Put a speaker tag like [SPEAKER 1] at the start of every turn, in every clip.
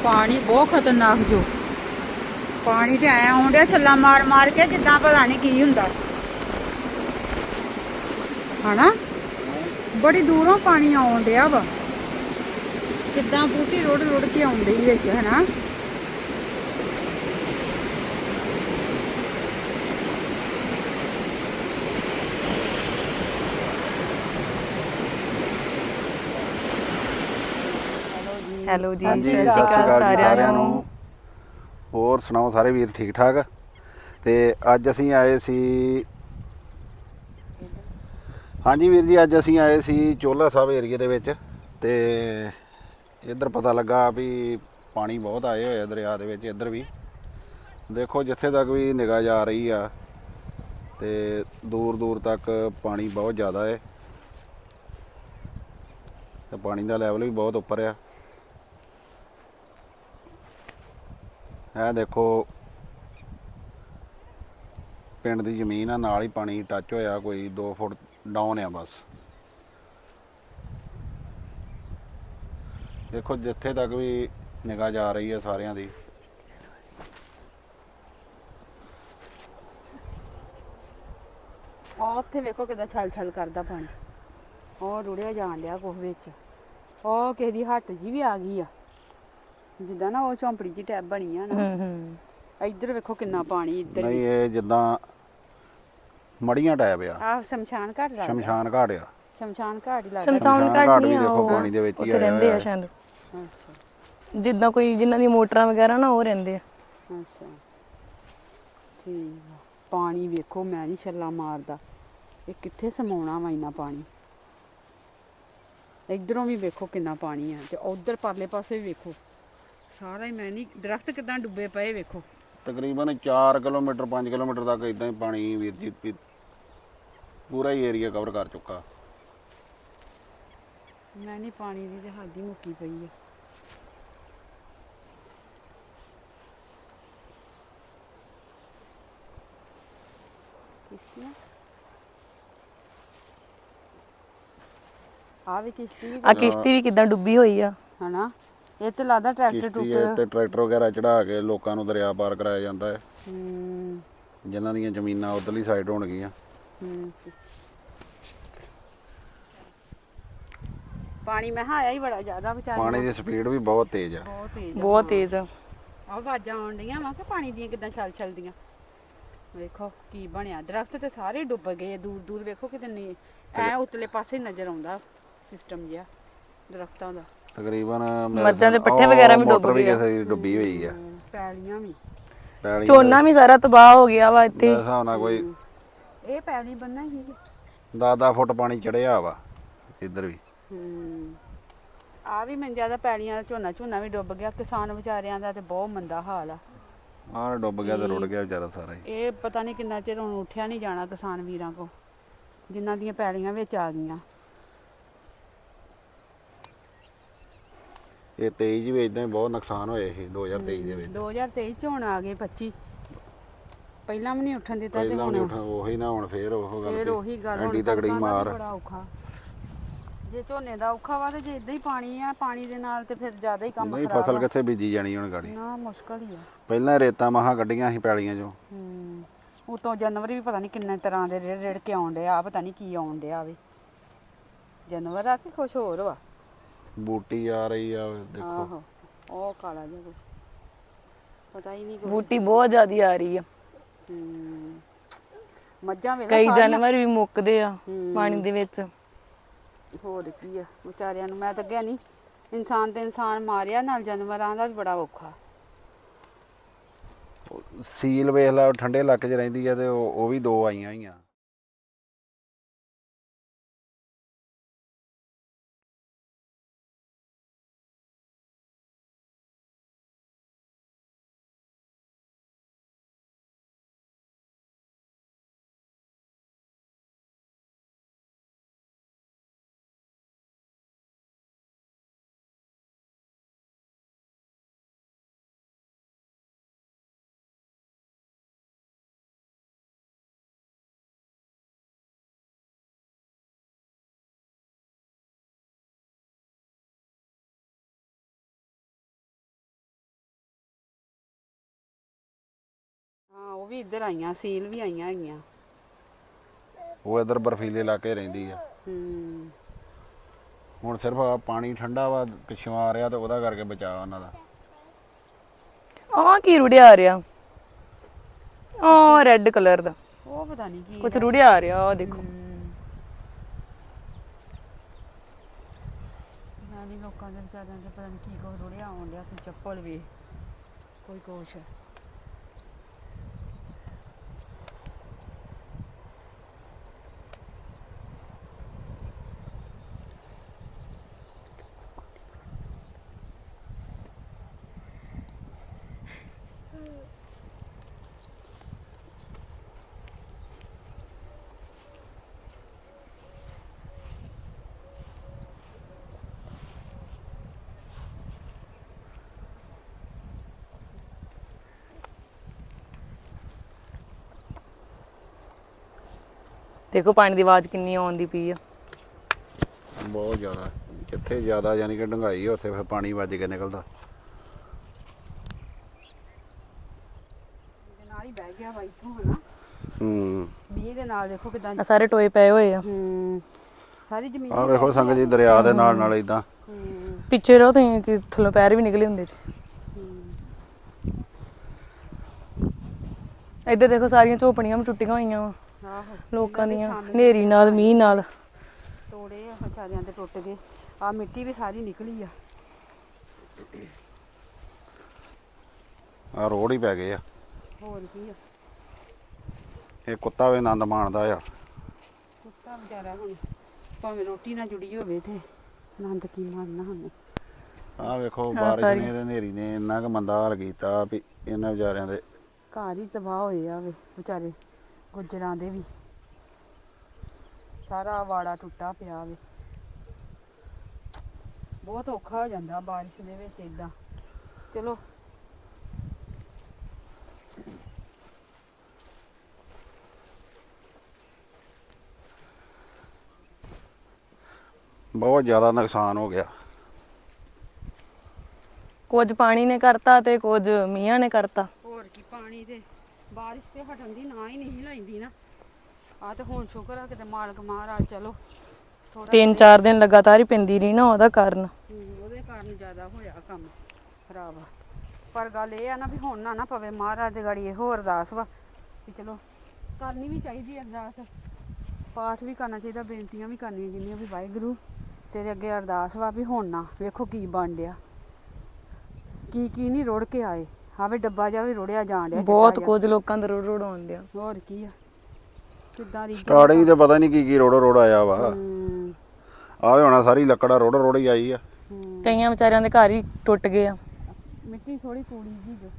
[SPEAKER 1] पानी बहुत खतरनाक जो पानी तो ऐ आउंडिया छल्ला मार मार के जिद्दां पता नहीं की हुंदा है ना। बड़ी दूरों पानी आउंडिया वा किद्दां बूटी रुड़ रुड़ के आउंदी विच है ना।
[SPEAKER 2] ਹੈਲੋ ਜੀ, ਸਤਿ ਸ਼੍ਰੀ ਅਕਾਲ ਸਾਰਿਆਂ ਨੂੰ।
[SPEAKER 3] ਹੋਰ ਸੁਣਾਓ ਸਾਰੇ ਵੀਰ ਠੀਕ ਠਾਕ। ਤੇ ਅੱਜ ਅਸੀਂ ਆਏ ਸੀ, ਹਾਂਜੀ ਵੀਰ ਜੀ, ਅੱਜ ਅਸੀਂ ਆਏ ਸੀ ਚੋਲਾ ਸਾਹਿਬ ਏਰੀਏ ਦੇ ਵਿੱਚ। ਤੇ ਇੱਧਰ ਪਤਾ ਲੱਗਾ ਵੀ ਪਾਣੀ ਬਹੁਤ ਆਏ ਹੋਏ ਆ ਦਰਿਆ ਦੇ ਵਿੱਚ। ਇੱਧਰ ਵੀ ਦੇਖੋ ਜਿੱਥੇ ਤੱਕ ਵੀ ਨਿਗਾਹ ਜਾ ਰਹੀ ਆ ਤੇ ਦੂਰ ਦੂਰ ਤੱਕ ਪਾਣੀ ਬਹੁਤ ਜ਼ਿਆਦਾ ਹੈ ਤੇ ਪਾਣੀ ਦਾ ਲੈਵਲ ਵੀ ਬਹੁਤ ਉੱਪਰ ਆ। ਇਹ ਦੇਖੋ ਪਿੰਡ ਦੀ ਜ਼ਮੀਨ ਆ, ਨਾਲ ਹੀ ਪਾਣੀ ਟੱਚ ਹੋਇਆ, ਕੋਈ 2 ਫੁੱਟ ਡਾਊਨ ਆ ਬਸ। ਦੇਖੋ ਜਿੱਥੇ ਤੱਕ ਵੀ ਨਿਗਾਹ ਜਾ ਰਹੀ ਹੈ ਸਾਰਿਆਂ ਦੀ।
[SPEAKER 1] ਉੱਥੇ ਵੇਖੋ ਕਿਦਾਂ ਛਲ ਛਲ ਕਰਦਾ ਪਾਣੀ, ਉਹ ਰੁੜਿਆ ਜਾਣ ਡਿਆ ਕੁਛ ਵਿੱਚ। ਉਹ ਕਿਸੇ ਦੀ ਹੱਟ ਜੀ ਵੀ ਆ ਗਈ ਆ, ਜਿੱਦਾਂ ਨਾ ਉਹ ਝੌਂਪੜੀ ਜੀ ਟੈਬ ਬਣੀ ਆ ਨਾ। ਇੱਧਰ ਵੇਖੋ ਕਿੰਨਾ ਪਾਣੀ। ਇੱਧਰ
[SPEAKER 3] ਨਹੀਂ ਇਹ ਜਿੱਦਾਂ ਮੜੀਆਂ ਟੈਪ ਆ,
[SPEAKER 1] ਆਹ ਸ਼ਮਸ਼ਾਨ ਘਾਟ ਲੱਗਦਾ।
[SPEAKER 3] ਸ਼ਮਸ਼ਾਨ ਘਾਟ ਆ।
[SPEAKER 1] ਸ਼ਮਸ਼ਾਨ ਘਾਟ ਹੀ ਲੱਗਦਾ।
[SPEAKER 2] ਸ਼ਮਸ਼ਾਨ ਘਾਟ
[SPEAKER 3] ਵੀ
[SPEAKER 2] ਨਹੀਂ ਆ,
[SPEAKER 3] ਦੇਖੋ ਪਾਣੀ ਦੇ ਵਿੱਚ ਹੀ
[SPEAKER 2] ਉੱਥੇ ਰਹਿੰਦੇ ਆ ਸ਼ਾਇਦ।
[SPEAKER 1] ਅੱਛਾ
[SPEAKER 2] ਜਿੱਦਾਂ ਕੋਈ ਜਿਨ੍ਹਾਂ ਦੀ ਮੋਟਰਾਂ ਵਗੈਰਾ ਨਾ ਉਹ ਰਹਿੰਦੇ ਆ।
[SPEAKER 1] ਅੱਛਾ ਠੀਕ ਆ। ਪਾਣੀ ਵੇਖੋ ਮੈਂ ਨਹੀਂ ਛੱਲਾ ਮਾਰਦਾ, ਇਹ ਕਿੱਥੇ ਸਮਾਉਣਾ ਵਾ ਇੰਨਾ ਪਾਣੀ। ਇੱਧਰੋਂ ਵੀ ਵੇਖੋ ਕਿੰਨਾ ਪਾਣੀ ਆ ਤੇ ਉਧਰ ਪਰਲੇ ਪਾਸੇ ਵੀ ਵੇਖੋ ਸਾਰਾ ਹੀ। ਮੈਂ ਨਹੀਂ ਦਰਖਤ ਕਿਦਾਂ ਡੁੱਬੇ ਪਏ ਵੇਖੋ।
[SPEAKER 3] ਤਕਰੀਬਨ 4 ਕਿਲੋਮੀਟਰ 5 ਕਿਲੋਮੀਟਰ ਤੱਕ ਇਦਾਂ ਹੀ ਪਾਣੀ ਵੀਰ ਜੀ ਪੂਰਾ ਹੀ ਏਰੀਆ ਕਵਰ ਕਰ ਚੁੱਕਾ।
[SPEAKER 1] ਮੈਂ ਨਹੀਂ ਪਾਣੀ ਦੀ ਤੇ ਹੱਦ ਹੀ ਮੁੱਕੀ ਪਈ ਆ। ਕਿਸ਼ਤੀਆਂ ਆ ਵੀ ਕਿਸ਼ਤੀ ਵੀ
[SPEAKER 2] ਆ ਕਿਸ਼ਤੀ ਵੀ ਕਿਦਾਂ ਡੁੱਬੀ ਹੋਈ ਆ
[SPEAKER 1] ਹਨਾ। ਇਹ ਤੇ ਲੱਗਦਾ ਟਰੈਕਟਰ
[SPEAKER 3] ਕਿਸ਼ਤੀ ਹੈ ਤੇ ਟਰੈਕਟਰ ਵਗੈਰਾ ਚੜਾ ਕੇ ਲੋਕਾਂ ਨੂੰ ਦਰਿਆ ਪਾਰ ਕਰਾਇਆ ਜਾਂਦਾ ਹੈ, ਜਿਨ੍ਹਾਂ ਦੀਆਂ ਜ਼ਮੀਨਾਂ ਉਧਰਲੀ ਸਾਈਡ ਹੋਣਗੀਆਂ।
[SPEAKER 1] ਪਾਣੀ ਮੈਂ ਆਇਆ ਹੀ ਬੜਾ ਜ਼ਿਆਦਾ ਵਿਚਾਰ।
[SPEAKER 3] ਪਾਣੀ ਦੀ ਸਪੀਡ ਵੀ ਬਹੁਤ ਤੇਜ਼ ਆ,
[SPEAKER 1] ਬਹੁਤ ਤੇਜ਼
[SPEAKER 2] ਬਹੁਤ ਤੇਜ਼ ਆ।
[SPEAKER 1] ਆਹ ਆਵਾਜ਼ਾਂ ਆਉਣ ਡੀਆਂ ਵਾ ਕਿ ਪਾਣੀ ਦੀਆਂ ਕਿਦਾਂ ਛਲ ਛਲਦੀਆਂ। ਵੇਖੋ ਕੀ ਬਣਿਆ, ਦਰਖਤ ਤੇ ਸਾਰੇ ਡੁੱਬ ਗਏ ਆ। ਦੂਰ ਦੂਰ ਵੇਖੋ ਕਿਤੇ ਨਹੀਂ ਐ ਉਤਲੇ ਪਾਸੇ ਨਜ਼ਰ ਆਉਂਦਾ ਸਿਸਟਮ ਜਿਹਾ ਦਰਖਤਾਂ ਦਾ।
[SPEAKER 3] ਤਕਰੀਬਨ
[SPEAKER 2] ਮੱਝਾਂ ਦੇ ਪੱਠੇ ਵਗੈਰਾ ਵੀ ਡੁੱਬ ਗਏ ਆ।
[SPEAKER 3] ਕਿਸੇ ਦੀ ਡੁੱਬੀ ਹੋਈ ਆ,
[SPEAKER 1] ਪੈਲੀਆਂ ਵੀ।
[SPEAKER 2] ਝੋਨਾ ਵੀ ਸਾਰਾ ਤਬਾਹ ਹੋ ਗਿਆ ਵਾ ਇੱਥੇ।
[SPEAKER 3] ਮੇਰੇ ਹਿਸਾਬ ਨਾਲ ਕੋਈ
[SPEAKER 1] ਇਹ ਪੈਲੀ ਬੰਨਾ ਹੀ
[SPEAKER 3] 10 ਫੁੱਟ ਪਾਣੀ ਚੜਿਆ ਵਾ ਇੱਧਰ ਵੀ।
[SPEAKER 1] ਆ ਵੀ ਮੰਜਾ ਦਾ ਪੈਲੀਆਂ ਦਾ ਝੋਨਾ ਵੀ ਡੁੱਬ ਗਿਆ। ਕਿਸਾਨ ਵਿਚਾਰਿਆਂ ਦਾ ਤੇ ਬਹੁਤ ਮੰਦਾ ਹਾਲ ਆ।
[SPEAKER 3] ਆਹ ਡੁੱਬ ਗਿਆ ਤੇ ਰੁੜ ਗਿਆ ਵਿਚਾਰਾ ਸਾਰਾ ਹੀ।
[SPEAKER 1] ਇਹ ਪਤਾ ਨਹੀਂ ਕਿੰਨਾ ਚਿਰ ਹੁਣ ਉੱਠਿਆ ਨਹੀਂ ਜਾਣਾ ਕਿਸਾਨ ਵੀਰਾਂ ਕੋ, ਜਿਨ੍ਹਾਂ ਦੀਆਂ ਪੈਲੀਆਂ ਵਿੱਚ ਆ ਗਈਆਂ।
[SPEAKER 3] ਇਹ 23 ਵੀ ਇਦਾਂ ਹੀ ਬਹੁਤ ਨੁਕਸਾਨ ਹੋਏ ਸੀ 2023 ਦੇ ਵਿੱਚ।
[SPEAKER 1] 2023 ਚ ਹੁਣ ਆ ਗਏ 25। ਪਹਿਲਾਂ ਵੀ ਨਹੀਂ ਉੱਠਣ ਦਿੱਤਾ ਤੇ
[SPEAKER 3] ਪਹਿਲਾਂ
[SPEAKER 1] ਹੁਣ
[SPEAKER 3] ਨਹੀਂ ਉੱਠ ਉਹੀ ਨਾ, ਹੁਣ ਫੇਰ ਉਹ ਗੱਲ
[SPEAKER 1] ਫੇਰ ਉਹੀ ਗੱਲ।
[SPEAKER 3] ਐਡੀ ਤਕੜੀ ਮਾਰ।
[SPEAKER 1] ਬੜਾ ਔਖਾ ਜੇ ਝੋਨੇ ਦਾ ਔਖਾ ਵਾ ਤੇ ਜੇ ਇਦਾਂ ਹੀ ਪਾਣੀ ਆ, ਪਾਣੀ ਦੇ ਨਾਲ ਤੇ ਫਿਰ ਜ਼ਿਆਦਾ ਹੀ ਕੰਮ
[SPEAKER 3] ਨਹੀਂ
[SPEAKER 1] ਖਰਾਬ
[SPEAKER 3] ਫਸਲ
[SPEAKER 1] ਆ।
[SPEAKER 3] ਕਿੱਥੇ ਬੀਜੀ ਜਾਣੀ ਹੁਣ ਗਾੜੀ।
[SPEAKER 1] ਨਾ ਮੁਸ਼ਕਲ ਹੀ ਆ।
[SPEAKER 3] ਪਹਿਲਾਂ ਰੇਤਾਂ ਮਹਾਂ ਕੱਢੀਆਂ ਸੀ ਪੈਲੀਆਂ ਚੋਂ।
[SPEAKER 1] ਉਤੋਂ ਜਾਨਵਰ ਵੀ ਪਤਾ ਨਹੀਂ ਕਿੰਨੇ ਤਰ੍ਹਾਂ ਦੇ ਰੇੜ ਰੇੜ ਕੇ ਆਉਣ ਡਿਆ, ਪਤਾ ਨਹੀਂ ਕੀ ਆਉਣ ਡਿਆ ਵੇ। ਜਾਨਵਰ ਆ ਕਿ ਕੁਛ ਹੋਰ ਵਾ।
[SPEAKER 3] ਬੂਟੀ ਆ ਰਹੀ ਆ ਦੇਖੋ।
[SPEAKER 1] ਆਹੋ ਉਹ ਕਾਲਾ ਜਿਹਾ ਕੁਛ ਪਤਾ ਹੀ ਨਹੀਂ ਕੁਛ।
[SPEAKER 2] ਬੂਟੀ ਬਹੁਤ ਜ਼ਿਆਦੀ ਆ ਰਹੀ ਆ।
[SPEAKER 1] ਮੱਝਾਂ ਵੇਲੇ
[SPEAKER 2] ਕਈ ਜਾਨਵਰ ਵੀ ਮੁੱਕਦੇ ਆ ਪਾਣੀ ਦੇ ਵਿੱਚ।
[SPEAKER 1] ਹੋਰ ਕੀ ਆ ਵਿਚਾਰਿਆਂ ਨੂੰ। ਮੈਂ ਤਾਂ ਅੱਗੇ ਨਹੀਂ, ਇਨਸਾਨ ਤੇ ਇਨਸਾਨ ਮਾਰਿਆ, ਨਾਲ ਜਾਨਵਰਾਂ ਦਾ ਵੀ ਬੜਾ ਔਖਾ।
[SPEAKER 3] ਸੀਲ ਵੇਖ ਲਾ, ਠੰਡੇ ਇਲਾਕੇ 'ਚ ਰਹਿੰਦੀ ਆ ਤੇ ਉਹ ਵੀ 2 ਆਈਆਂ ਹੋਈਆਂ।
[SPEAKER 1] ਹਾਂ ਉਹ ਵੀ ਇੱਧਰ ਆਈਆਂ, ਸੀਲ ਵੀ ਆਈਆਂ ਹੈਗੀਆਂ।
[SPEAKER 3] ਉਹ ਇੱਧਰ ਬਰਫੀਲੇ ਇਲਾਕੇ ਰਹਿੰਦੀ ਆ।
[SPEAKER 1] ਹੂੰ
[SPEAKER 3] ਹੁਣ ਸਿਰਫ ਆ ਪਾਣੀ ਠੰਡਾ ਵਾ ਪਿੱਛੋਂ ਆ ਰਿਹਾ ਤੇ ਉਹਦਾ ਕਰਕੇ ਬਚਾਅ ਉਹਨਾਂ ਦਾ।
[SPEAKER 2] ਆਹ ਕੀ ਰੁੜਿਆ ਆ ਰਿਹਾ? ਆਹ ਰੈੱਡ ਕਲਰ ਦਾ
[SPEAKER 1] ਉਹ ਪਤਾ ਨਹੀਂ ਕੀ
[SPEAKER 2] ਕੁਝ
[SPEAKER 1] ਹੈ।
[SPEAKER 2] ਰੁੜਿਆ ਆ ਰਿਹਾ, ਆਹ ਦੇਖੋ।
[SPEAKER 1] ਨਾਲੇ ਲੋਕਾਂ ਦੇ ਵਿਚਾਰਿਆਂ ਦੇ ਪਤਾ ਨਹੀਂ ਕੀ ਕੁਛ ਰੁੜਿਆ ਆਉਣ ਡਿਆ, ਕੋਈ ਚੱਪਲ ਵੀ ਕੋਈ ਕੁਛ।
[SPEAKER 2] ਦੇਖੋ ਪਾਣੀ ਦੀ ਆਵਾਜ਼ ਕਿੰਨੀ ਆਉਂਦੀ ਪਈ ਆ।
[SPEAKER 3] ਬਹੁਤ ਜ਼ਿਆਦਾ, ਜਿੱਥੇ ਜ਼ਿਆਦਾ ਯਾਨੀ ਕਿ ਡੂੰਘਾਈ ਆ ਉੱਥੇ ਫਿਰ ਪਾਣੀ ਵੱਜ ਕੇ ਨਿਕਲਦਾ।
[SPEAKER 1] ਇਹਦੇ ਨਾਲ ਹੀ ਬਹਿ ਗਿਆ ਵਾ ਇੱਥੋਂ ਹਨਾ।
[SPEAKER 3] ਹੂੰ
[SPEAKER 1] ਮੀਂਹ ਦੇ ਨਾਲ ਦੇਖੋ ਕਿਦਾਂ।
[SPEAKER 2] ਆਹ ਸਾਰੇ ਟੋਏ ਪਏ ਹੋਏ ਆ।
[SPEAKER 1] ਸਾਰੀ ਜ਼ਮੀਨ
[SPEAKER 3] ਆਹ ਵੇਖੋ ਸੰਗਤ ਜੀ, ਦਰਿਆ ਦੇ ਨਾਲ ਨਾਲ ਇਦਾਂ।
[SPEAKER 2] ਪਿੱਛੇ ਰਹੋ ਤੁਸੀਂ ਕਿ ਥੱਲੋਂ ਪੈਰ ਵੀ ਨਿਕਲੇ ਹੁੰਦੇ ਜੀ। ਇੱਧਰ ਦੇਖੋ ਸਾਰੀਆਂ ਝੋਪੜੀਆਂ ਵੀ ਟੁੱਟੀਆਂ ਹੋਈਆਂ ਵਾ
[SPEAKER 1] ਆਹੋ
[SPEAKER 2] ਲੋਕਾਂ ਦੀਆਂ, ਹਨੇਰੀ ਨਾਲ ਮੀਂਹ ਨਾਲ।
[SPEAKER 1] ਤੋੜੇ ਆ ਵਿਚਾਰਿਆਂ ਦੇ ਟੁੱਟ ਗਏ। ਆ ਮਿੱਟੀ ਵੀ ਸਾਰੀ ਨਿਕਲੀ ਆ।
[SPEAKER 3] ਆ ਰੋਡ ਹੀ ਪੈ ਗਏ ਆ।
[SPEAKER 1] ਹੋਰ ਕੀ ਆ,
[SPEAKER 3] ਇਹ ਕੁੱਤਾ ਵੀ ਆਨੰਦ ਮਾਣਦਾ ਆ।
[SPEAKER 1] ਕੁੱਤਾ ਵਿਚਾਰਾ ਹੁਣ ਭਾਵੇਂ ਰੋਟੀ ਨਾਲ ਜੁੜੀ ਹੋਵੇ ਤੇ ਆਨੰਦ ਕੀ ਮਾਰਨਾ ਹੁਣ।
[SPEAKER 3] ਆਹ ਵੇਖੋ ਬਾਰਿਸ਼ ਨੇ ਤੇ ਹਨੇਰੀ ਨੇ ਇੰਨਾ ਕੁ ਮੰਦਾ ਹਾਲ ਕੀਤਾ ਵੀ ਇਹਨਾਂ ਵਿਚਾਰਿਆਂ ਦੇ
[SPEAKER 1] ਘਰ ਹੀ ਤਬਾਹ ਹੋਏ ਆ ਵੇ ਵਿਚਾਰੇ ਗੁੱਜਰਾਂ ਦੇ ਵੀ। ਸਾਰਾ ਵਾੜਾ ਟੁੱਟਾ ਪਿਆ ਵੇ। ਬਹੁਤ ਔਖਾ ਹੋ ਜਾਂਦਾ ਬਾਰਿਸ਼ ਦੇ ਵਿੱਚ ਇਦਾਂ। ਚਲੋ
[SPEAKER 3] ਬਹੁਤ ਜ਼ਿਆਦਾ ਨੁਕਸਾਨ ਹੋ ਗਿਆ।
[SPEAKER 2] ਕੁਝ ਪਾਣੀ ਨੇ ਕਰਤਾ ਤੇ ਕੁਝ ਮੀਂਹਾਂ ਨੇ ਕਰਤਾ।
[SPEAKER 1] ਹੋਰ ਕੀ, ਪਾਣੀ ਤੇ ਬਾਰਿਸ਼ ਤੇ ਹਟਣ ਦੀ ਨਾ ਹੀ ਨਹੀਂ ਲੈਂਦੀ ਨਾ। ਆ ਤੇ ਹੁਣ ਸ਼ੁਕਰ ਆ ਕਿਤੇ ਮਾਲਕ ਮਹਾਰਾਜ ਚਲੋ ਥੋੜਾ
[SPEAKER 2] 3-4 ਦਿਨ ਲਗਾਤਾਰ ਹੀ ਪੈਂਦੀ ਰਹੀ ਨਾ, ਉਹਦਾ ਕਾਰਨ।
[SPEAKER 1] ਉਹਦੇ ਕਾਰਨ ਜ਼ਿਆਦਾ ਹੋਇਆ ਕੰਮ ਖਰਾਬ। ਪਰ ਗੱਲ ਇਹ ਆ ਨਾ ਵੀ ਹੁਣ ਨਾ ਪਵੇ। ਮਹਾਰਾਜ ਦੇ ਗਾੜੀ ਇਹੋ ਅਰਦਾਸ ਵਾ ਕਿ ਚਲੋ ਕਰਨੀ ਵੀ ਚਾਹੀਦੀ ਅਰਦਾਸ, ਪਾਠ ਵੀ ਕਰਨਾ ਚਾਹੀਦਾ, ਬੇਨਤੀਆਂ ਵੀ ਕਰਨੀਆਂ ਜਿੰਨੀਆਂ ਵੀ ਵਾਹਿਗੁਰੂ ਤੇਰੇ ਅੱਗੇ ਅਰਦਾਸ ਵਾ ਵੀ ਹੁਣ ਨਾ ਵੇਖੋ ਕੀ ਬਣ ਡਿਆ, ਕੀ ਨਹੀਂ ਰੁੜ ਕੇ ਆਏ। ਆਵੇ ਡੱਬਾ ਜਿਹਾ ਵੀ ਰੁੜਿਆ ਜਾਣ ਡਿਆ।
[SPEAKER 2] ਬਹੁਤ ਕੁਝ ਲੋਕਾਂ ਦਾ ਰੋੜ ਆਉਂਦੇ ਆ।
[SPEAKER 1] ਹੋਰ ਕੀ ਆ, ਕਿੱਦਾਂ ਦੀ
[SPEAKER 3] ਸਟਾਰਟਿੰਗ ਤੇ ਪਤਾ ਨਹੀਂ ਕੀ ਰੋੜ ਆਇਆ ਵਾ। ਆਵੇ ਹੋਣਾ ਸਾਰੀ ਲੱਕੜਾ ਰੋੜ ਹੀ ਆਈ ਆ।
[SPEAKER 2] ਕਈਆਂ ਵਿਚਾਰਿਆਂ ਦੇ ਘਰ ਹੀ ਟੁੱਟ ਗਏ ਆ।
[SPEAKER 1] ਮਿੱਟੀ ਥੋੜੀ ਕੂੜੀ ਜੀ ਜੋ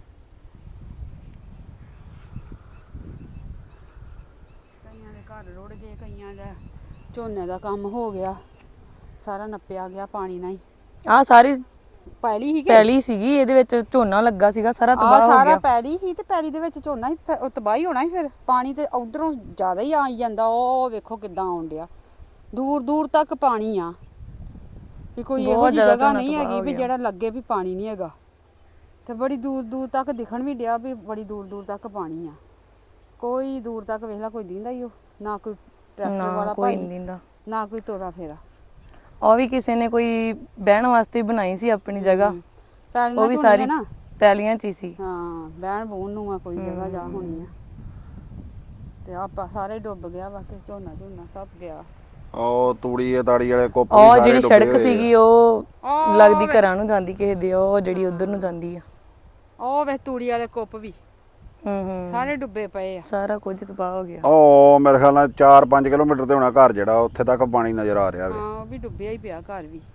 [SPEAKER 1] ਕਈਆਂ ਦੇ ਘਰ ਰੁੜ ਗਏ, ਕਈਆਂ ਦਾ ਝੋਨੇ ਦਾ ਕੰਮ ਹੋ ਗਿਆ, ਸਾਰਾ ਨੱਪਿਆ ਗਿਆ ਪਾਣੀ ਨਾਲ ਹੀ।
[SPEAKER 2] ਆਹ ਸਾਰੀ
[SPEAKER 1] ਪੈਲੀ
[SPEAKER 2] ਸੀਗੀ, ਇਹਦੇ ਵਿੱਚ ਝੋਨਾ ਲੱਗਾ ਸੀਗਾ, ਸਾਰਾ ਤਬਾਹ ਹੋ
[SPEAKER 1] ਸਾਰਾ
[SPEAKER 2] ਗਿਆ।
[SPEAKER 1] ਪੈਲੀ ਹੀ ਤੇ ਪੈਲੀ ਦੇ ਵਿੱਚ ਝੋਨਾ ਹੀ ਤਬਾਹੀ ਹੋਣਾ ਹੀ। ਫਿਰ ਪਾਣੀ ਤੇ ਉਧਰੋਂ ਜ਼ਿਆਦਾ ਹੀ ਆਈ ਜਾਂਦਾ। ਉਹ ਵੇਖੋ ਕਿੱਦਾਂ ਆਉਣ ਡਿਆ, ਦੂਰ ਦੂਰ ਤੱਕ ਪਾਣੀ ਆ। ਵੀ ਕੋਈ ਇਹੋ ਜਿਹੀ ਜਗ੍ਹਾ ਨਹੀਂ ਹੈਗੀ ਵੀ ਜਿਹੜਾ ਲੱਗੇ ਵੀ ਪਾਣੀ ਨਹੀਂ ਹੈਗਾ। ਤੇ ਬੜੀ ਦੂਰ ਦੂਰ ਤੱਕ ਦਿਖਣ ਵੀ ਡਿਆ ਵੀ ਬੜੀ ਦੂਰ ਦੂਰ ਤੱਕ ਪਾਣੀ ਆ। ਕੋਈ ਦੂਰ ਤੱਕ ਵੇਖ ਲਾ ਕੋਈ ਦਿੰਦਾ ਹੀ ਉਹ ਨਾ, ਕੋਈ ਟਰੈਕਟਰ ਵਾਲਾ
[SPEAKER 2] ਕੋਈ ਨਹੀਂ ਦਿੰਦਾ,
[SPEAKER 1] ਨਾ ਕੋਈ ਤੋਰਾ ਫੇਰਾ।
[SPEAKER 2] ਉਹ ਵੀ ਕਿਸੇ ਨੇ ਕੋਈ ਬਹਿਣ ਵਾਸਤੇ ਬਣਾਈ ਸੀ ਆਪਣੀ ਜਗ੍ਹਾ, ਉਹ ਵੀ ਸਾਰੀ ਪੈਲੀਆਂ 'ਚ ਹੀ ਸੀ।
[SPEAKER 1] ਹਾਂ ਬਹਿਣ ਬੂਣ ਨੂੰ ਆ ਕੋਈ ਜਗ੍ਹਾ ਜਾ ਹੋਣੀ ਆ। ਤੇ ਆਪਾਂ ਸਾਰੇ ਡੁੱਬ ਗਿਆ ਵਾ ਕਿ ਝੋਨਾ ਸਭ ਗਿਆ।
[SPEAKER 3] ਉਹ ਤੂੜੀ ਤਾੜੀ ਵਾਲੇ ਕੁੱਪ
[SPEAKER 2] ਉਹ ਜਿਹੜੀ ਸੜਕ ਸੀਗੀ ਉਹ ਲੱਗਦੀ ਘਰਾਂ ਨੂੰ ਜਾਂਦੀ ਕਿਸੇ ਦੇ, ਉਹ ਜਿਹੜੀ ਉਧਰ ਨੂੰ ਜਾਂਦੀ ਆ।
[SPEAKER 1] ਉਹ ਵੇ ਤੂੜੀ ਵਾਲੇ ਕੁੱਪ ਵੀ ਸਾਰੇ ਡੁੱਬੇ ਪਏ ਆ।
[SPEAKER 2] ਸਾਰਾ ਕੁਝ ਤਬਾਹ ਹੋ ਗਿਆ।
[SPEAKER 3] ਉਹ ਮੇਰੇ ਖਿਆਲ ਨਾਲ 4-5 ਕਿਲੋਮੀਟਰ ਤੇ ਹੋਣਾ ਘਰ ਜਿਹੜਾ, ਉੱਥੇ ਤੱਕ ਪਾਣੀ ਨਜ਼ਰ ਆ ਰਿਹਾ ਵੇ।
[SPEAKER 1] ਹਾਂ ਉਹ ਵੀ ਡੁੱਬਿਆ ਹੀ ਪਿਆ ਘਰ ਵੀ।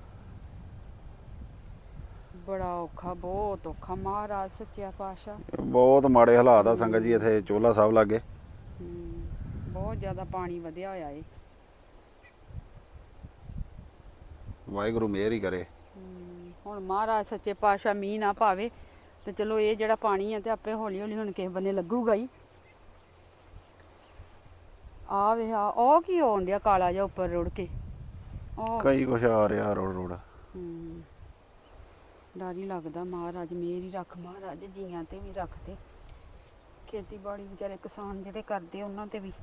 [SPEAKER 1] ਬੜਾ ਔਖਾ, ਬਹੁਤ ਔਖਾ। ਮਹਾਰਾਜ ਸੱਚਿਆ ਪਾਤਸ਼ਾਹ।
[SPEAKER 3] ਬਹੁਤ ਮਾੜੇ ਹਾਲਾਤ ਆ ਸੰਗਤ ਜੀ ਇੱਥੇ ਚੋਲਾ ਸਾਹਿਬ ਲਾਗੇ।
[SPEAKER 1] ਬਹੁਤ ਜ਼ਿਆਦਾ ਪਾਣੀ ਵਧਿਆ ਹੋਇਆ ਏ।
[SPEAKER 3] ਵਾਹਿਗੁਰੂ ਮਿਹਰ ਹੀ ਕਰੇ।
[SPEAKER 1] ਹੁਣ ਮਹਾਰਾਜ ਸੱਚੇ ਪਾਤਸ਼ਾਹ ਮੀਂਹ ਨਾ ਪਾਵੇ ਤੇ ਚਲੋ ਇਹ ਜਿਹੜਾ ਪਾਣੀ ਆ ਤੇ ਆਪੇ ਹੌਲੀ ਹੌਲੀ ਹੁਣ ਕਿਸੇ ਬੰਨੇ ਲੱਗੂਗਾ ਹੀ। ਆ ਵੇ ਆ ਉਹ ਕੀ ਹੋਣ ਡਿਆ ਕਾਲਾ ਜਿਹਾ ਉੱਪਰ ਰੁੜ ਕੇ।
[SPEAKER 3] ਕਈ ਕੁਛ ਆ ਰਿਹਾ ਰੋੜ।
[SPEAKER 1] ਡਰ ਹੀ ਲੱਗਦਾ। ਮਹਾਰਾਜ ਮਿਹਰ ਹੀ ਰੱਖ, ਮਹਾਰਾਜ ਜੀਆਂ ਤੇ ਵੀ ਰੱਖ ਤੇ ਖੇਤੀਬਾੜੀ ਵਿਚਾਰੇ ਕਿਸਾਨ ਜਿਹੜੇ ਕਰਦੇ ਉਹਨਾਂ ਤੇ ਵੀ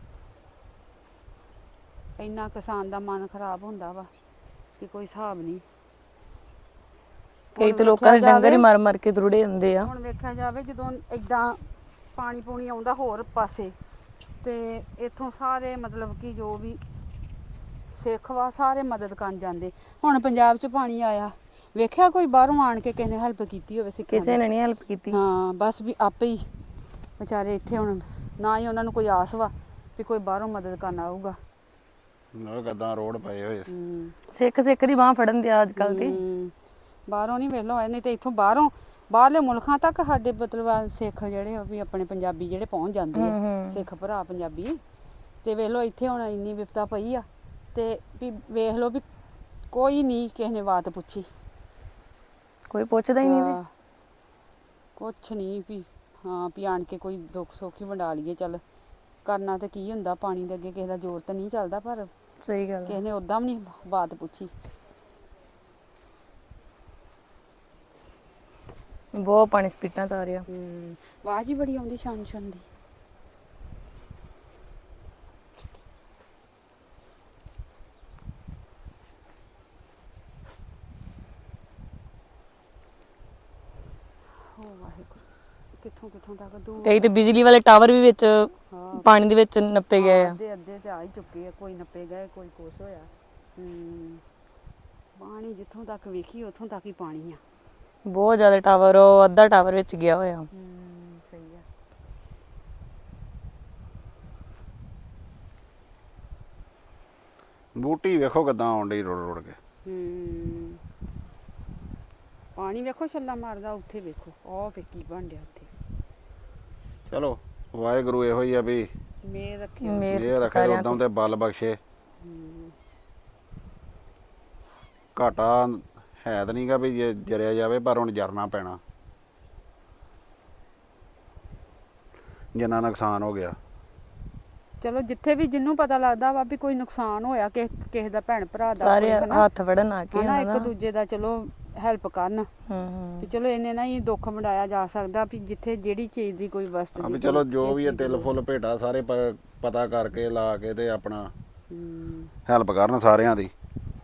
[SPEAKER 1] ਇੰਨਾ ਕਿਸਾਨ ਦਾ ਮਨ ਖਰਾਬ ਹੁੰਦਾ ਵਾ ਕਿ ਕੋਈ ਹਿਸਾਬ ਨਹੀਂ।
[SPEAKER 2] ਕਈ ਤਾਂ ਲੋਕਾਂ ਦੇ ਡੰਗਰ ਹੀ ਮਰ ਮਰ ਕੇ ਰੁੜੇ ਹੁੰਦੇ ਆ।
[SPEAKER 1] ਹੁਣ ਵੇਖਿਆ ਜਾਵੇ ਜਦੋਂ ਇਦਾਂ ਪਾਣੀ ਪੂਣੀ ਆਉਂਦਾ ਹੋਰ ਪਾਸੇ ਤੇ ਇੱਥੋਂ ਸਾਰੇ ਮਤਲਬ ਕਿ ਜੋ ਵੀ ਸਿੱਖ ਵਾ ਸਾਰੇ ਮਦਦ ਕਰਨ ਜਾਂਦੇ। ਹੁਣ ਪੰਜਾਬ 'ਚ ਪਾਣੀ ਆਇਆ, ਵੇਖਿਆ ਕੋਈ ਬਾਹਰੋਂ ਆਣ ਕੇ ਕਿਸੇ ਨੇ ਹੈਲਪ ਕੀਤੀ ਹੋਵੇ ਸਿੱਖਾਂ ਦੀ?
[SPEAKER 2] ਕਿਸੇ ਨੇ ਨਹੀਂ ਹੈਲਪ ਕੀਤੀ।
[SPEAKER 1] ਹਾਂ ਬਸ ਵੀ ਆਪੇ ਹੀ ਵਿਚਾਰੇ ਇੱਥੇ ਹੁਣ ਨਾ ਹੀ ਉਹਨਾਂ ਨੂੰ ਕੋਈ ਆਸ ਵਾ ਵੀ ਕੋਈ ਬਾਹਰੋਂ ਮਦਦ ਕਰਨ ਆਊਗਾ।
[SPEAKER 3] ਨਾਲ ਗੱਦਾਂ ਰੋਡ ਪਏ ਹੋਏ।
[SPEAKER 2] ਸਿੱਖ ਸਿੱਖ ਦੀ ਬਾਹ ਫੜਨ ਦਿਆ ਅੱਜ ਕੱਲ ਤੇ।
[SPEAKER 1] ਬਾਹਰੋਂ ਨਹੀਂ ਵੇਖ ਲਓ, ਨਹੀਂ ਤੇ ਇੱਥੋਂ ਬਾਹਰੋਂ ਬਾਹਰਲੇ ਮੁਲਕਾਂ ਤੱਕ ਸਾਡੇ ਮਤਲਬ ਸਿੱਖ ਜਿਹੜੇ ਆ ਵੀ ਆਪਣੇ ਪੰਜਾਬੀ ਜਿਹੜੇ ਪਹੁੰਚ ਜਾਂਦੇ ਆ, ਸਿੱਖ ਭਰਾ ਪੰਜਾਬੀ। ਤੇ ਵੇਖ ਲਓ ਇੱਥੇ ਹੁਣ ਇੰਨੀ ਵਿਪਤਾ ਪਈ ਆ ਤੇ ਵੀ ਵੇਖ ਲਓ ਵੀ ਕੋਈ ਨਹੀਂ ਕਿਸੇ ਨੇ ਬਾਤ ਪੁੱਛੀ,
[SPEAKER 2] ਕੋਈ ਪੁੱਛਦਾ ਹੀ ਨਹੀਂ।
[SPEAKER 1] ਕੁਛ ਨਹੀਂ ਵੀ ਹਾਂ ਵੀ ਆਣ ਕੇ ਕੋਈ ਦੁੱਖ ਸੁੱਖ ਹੀ ਵੰਡਾ ਲਈਏ। ਚੱਲ ਕਰਨਾ ਤੇ ਕੀ ਹੁੰਦਾ, ਪਾਣੀ ਦੇ ਅੱਗੇ ਕਿਸੇ ਦਾ ਜ਼ੋਰ ਤਾਂ ਨਹੀਂ ਚੱਲਦਾ, ਪਰ
[SPEAKER 2] ਸਹੀ ਗੱਲ
[SPEAKER 1] ਕਿਸੇ ਨੇ ਉਦਾਂ ਵੀ ਨਹੀਂ ਬਾਤ ਪੁੱਛੀ।
[SPEAKER 2] ਬਹੁਤ ਪਾਣੀ ਸਪੀਟਾਂ ਚ ਆ ਰਿਹਾ।
[SPEAKER 1] ਆਵਾਜ਼ ਹੀ ਬੜੀ ਆਉਂਦੀ ਛਾਨ ਛਾਨ ਦੀ। ਕਿੱਥੋਂ ਕਿੱਥੋਂ ਤੱਕ ਦੂਰ
[SPEAKER 2] ਕਈ ਤੇ ਬਿਜਲੀ ਵਾਲੇ ਟਾਵਰ ਵੀ ਵਿੱਚ ਪਾਣੀ ਦੇ ਵਿੱਚ ਨੱਪੇ ਗਏ ਆ।
[SPEAKER 1] ਅੱਧੇ ਅੱਧੇ ਤੇ ਆ ਹੀ ਚੁੱਕੇ ਆ, ਕੋਈ ਨੱਪੇ ਗਏ ਕੋਈ ਕੁਛ ਹੋਇਆ। ਪਾਣੀ ਜਿੱਥੋਂ ਤੱਕ ਵੇਖੀ ਉੱਥੋਂ ਤੱਕ ਹੀ ਪਾਣੀ ਆ।
[SPEAKER 2] ਬਹੁਤ ਜ਼ਿਆਦਾ ਟਾਵਰ, ਉਹ ਅੱਧਾ ਟਾਵਰ ਵਿੱਚ ਗਿਆ ਹੋਇਆ।
[SPEAKER 1] ਸਹੀ ਆ।
[SPEAKER 3] ਬੂਟੀ ਵੇਖੋ ਕਿੱਦਾਂ ਆਉਣ ਡਈ ਰੁੜ ਰੁੜ ਕੇ।
[SPEAKER 1] ਪਾਣੀ ਵੇਖੋ ਛੱਲਾ ਮਾਰਦਾ ਉੱਥੇ, ਵੇਖੋ ਉਹ ਫੇ ਕੀ ਬਣ ਡਿਆ ਉੱਥੇ।
[SPEAKER 3] ਚਲੋ ਵਾਹਿਗੁਰੂ ਇਹੋ ਹੀ ਆ ਵੀ
[SPEAKER 1] ਮੇਰ ਰੱਖੇ,
[SPEAKER 3] ਮੇਰ ਰੱਖੇ ਉਦੋਂ ਤੇ ਬਲ ਬਖਸ਼ੇ। ਘਾਟਾ ਹੈ ਤਾਂ ਨਹੀਂਗਾ ਵੀ ਜੇ ਜਰਿਆ ਜਾਵੇ, ਪਰ ਹੁਣ ਜਰਨਾ ਪੈਣਾ ਜਿੰਨਾ ਨੁਕਸਾਨ ਹੋ ਗਿਆ।
[SPEAKER 1] ਚਲੋ ਜਿੱਥੇ ਵੀ ਜਿਹਨੂੰ ਪਤਾ ਲੱਗਦਾ ਵਾ ਵੀ ਕੋਈ ਨੁਕਸਾਨ ਹੋਇਆ ਕਿਸੇ ਦਾ, ਭੈਣ ਭਰਾ ਦਾ,
[SPEAKER 2] ਸਾਰੇ ਹੱਥ ਵੜਨ ਆ ਕੇ
[SPEAKER 1] ਹਨਾ ਇੱਕ ਦੂਜੇ ਦਾ ਚਲੋ ਹੈਲਪ ਕਰਨ। ਵੀ ਚਲੋ ਇੰਨੇ ਨਾਲ ਹੀ ਦੁੱਖ ਵੰਡਾਇਆ ਜਾ ਸਕਦਾ ਵੀ ਜਿੱਥੇ ਜਿਹੜੀ ਚੀਜ਼ ਦੀ ਕੋਈ ਵਸਤ ਦੀ।
[SPEAKER 3] ਚਲੋ ਜੋ ਵੀ ਤਿਲ ਫੁੱਲ ਭੇਟਾ ਸਾਰੇ ਪਤਾ ਕਰਕੇ ਲਾ ਕੇ ਤੇ ਆਪਣਾ ਹੈਲਪ ਕਰਨ ਸਾਰਿਆਂ ਦੀ।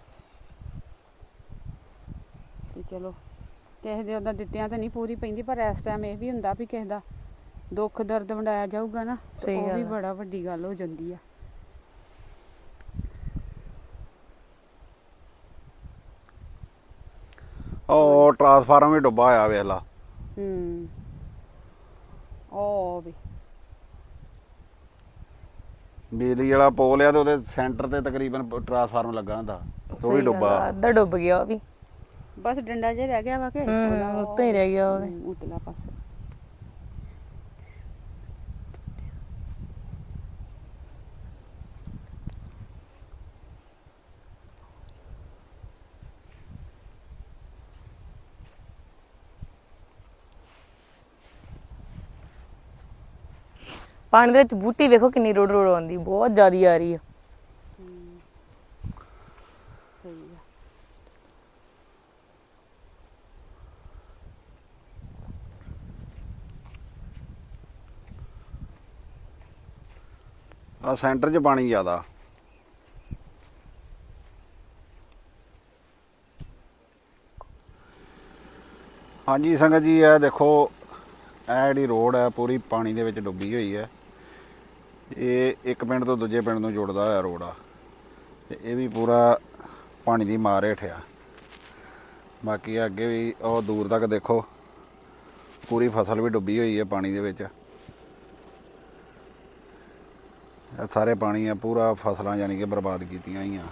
[SPEAKER 1] ਤੇ ਚਲੋ ਕਿਸੇ ਦੇ ਉਹਦਾ ਦਿੱਤਿਆਂ ਤਾਂ ਨਹੀਂ ਪੂਰੀ ਪੈਂਦੀ, ਪਰ ਇਸ ਟਾਈਮ ਇਹ ਵੀ ਹੁੰਦਾ ਵੀ ਕਿਸੇ ਦਾ ਦੁੱਖ ਦਰਦ ਵੰਡਾਇਆ ਜਾਊਗਾ ਨਾ, ਉਹ ਵੀ ਬੜਾ ਵੱਡੀ ਗੱਲ ਹੋ ਜਾਂਦੀ ਆ।
[SPEAKER 3] ਉਹ ਟਰਾਂਸਫਾਰਮ ਵੀ ਡੁੱਬਾ ਹੋਇਆ ਵੇਖ ਲਾ।
[SPEAKER 1] ਉਹ ਵੀ
[SPEAKER 3] ਬਿਜਲੀ ਵਾਲਾ ਪੋਲ ਆ ਤੇ ਉਹਦੇ ਸੈਂਟਰ ਤੇ ਤਕਰੀਬਨ ਟਰਾਂਸਫਾਰਮ ਲੱਗਾ ਹੁੰਦਾ, ਉਹ ਵੀ ਡੁੱਬਾ।
[SPEAKER 2] ਅੱਧਾ ਡੁੱਬ ਗਿਆ ਉਹ ਵੀ,
[SPEAKER 1] ਬਸ ਡੰਡਾ ਜਿਹਾ ਰਹਿ ਗਿਆ ਵਾ ਕਿ
[SPEAKER 2] ਉੱਤੇ ਹੀ ਰਹਿ ਗਿਆ ਉਹ
[SPEAKER 1] ਉਤਲਾ ਪਾਸੇ।
[SPEAKER 2] ਪਾਣੀ ਦੇ ਵਿੱਚ ਬੂਟੀ ਵੇਖੋ ਕਿੰਨੀ ਰੋੜ ਰੋੜ ਆਉਂਦੀ, ਬਹੁਤ ਜ਼ਿਆਦਾ ਆ ਰਹੀ ਆ।
[SPEAKER 1] ਸਹੀ
[SPEAKER 3] ਆ ਸੈਂਟਰ 'ਚ ਪਾਣੀ ਜ਼ਿਆਦਾ। ਹਾਂਜੀ ਸੰਗਤ ਜੀ, ਇਹ ਦੇਖੋ ਇਹ ਜਿਹੜੀ ਰੋਡ ਹੈ ਪੂਰੀ ਪਾਣੀ ਦੇ ਵਿੱਚ ਡੁੱਬੀ ਹੋਈ ਹੈ। ਇਹ ਇੱਕ ਪਿੰਡ ਤੋਂ ਦੂਜੇ ਪਿੰਡ ਨੂੰ ਜੋੜਦਾ ਹੋਇਆ ਰੋਡ ਆ, ਤੇ ਇਹ ਵੀ ਪੂਰਾ ਪਾਣੀ ਦੀ ਮਾਰ ਹੇਠ ਆ। ਬਾਕੀ ਅੱਗੇ ਵੀ ਉਹ ਦੂਰ ਤੱਕ ਦੇਖੋ ਪੂਰੀ ਫਸਲ ਵੀ ਡੁੱਬੀ ਹੋਈ ਹੈ ਪਾਣੀ ਦੇ ਵਿੱਚ। ਇਹ ਸਾਰੇ ਪਾਣੀ ਆ, ਪੂਰਾ ਫਸਲਾਂ ਯਾਨੀ ਕਿ ਬਰਬਾਦ ਕੀਤੀਆਂ ਹੋਈਆਂ।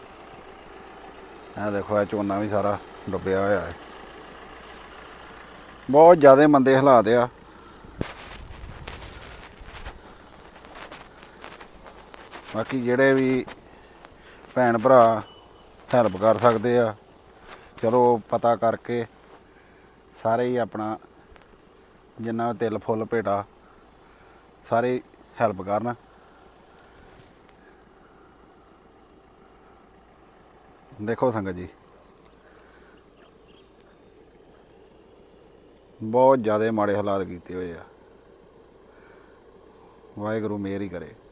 [SPEAKER 3] ਇਹ ਦੇਖੋ ਇਹ ਝੋਨਾ ਵੀ ਸਾਰਾ ਡੁੱਬਿਆ ਹੋਇਆ ਹੈ। ਬਹੁਤ ਜ਼ਿਆਦਾ ਮੰਦੇ ਹਾਲਾਤ ਆ। ਬਾਕੀ ਜਿਹੜੇ ਵੀ ਭੈਣ ਭਰਾ ਹੈਲਪ ਕਰ ਸਕਦੇ ਆ, ਚਲੋ ਪਤਾ ਕਰਕੇ ਸਾਰੇ ਹੀ ਆਪਣਾ ਜਿੰਨਾ ਤਿਲ ਫੁੱਲ ਭੇਟਾ ਸਾਰੇ ਹੈਲਪ ਕਰਨ। ਦੇਖੋ ਸੰਗਤ ਜੀ, ਬਹੁਤ ਜ਼ਿਆਦਾ ਮਾੜੇ ਹਾਲਾਤ ਕੀਤੇ ਹੋਏ ਆ। ਵਾਹਿਗੁਰੂ ਮਿਹਰ ਹੀ ਕਰੇ।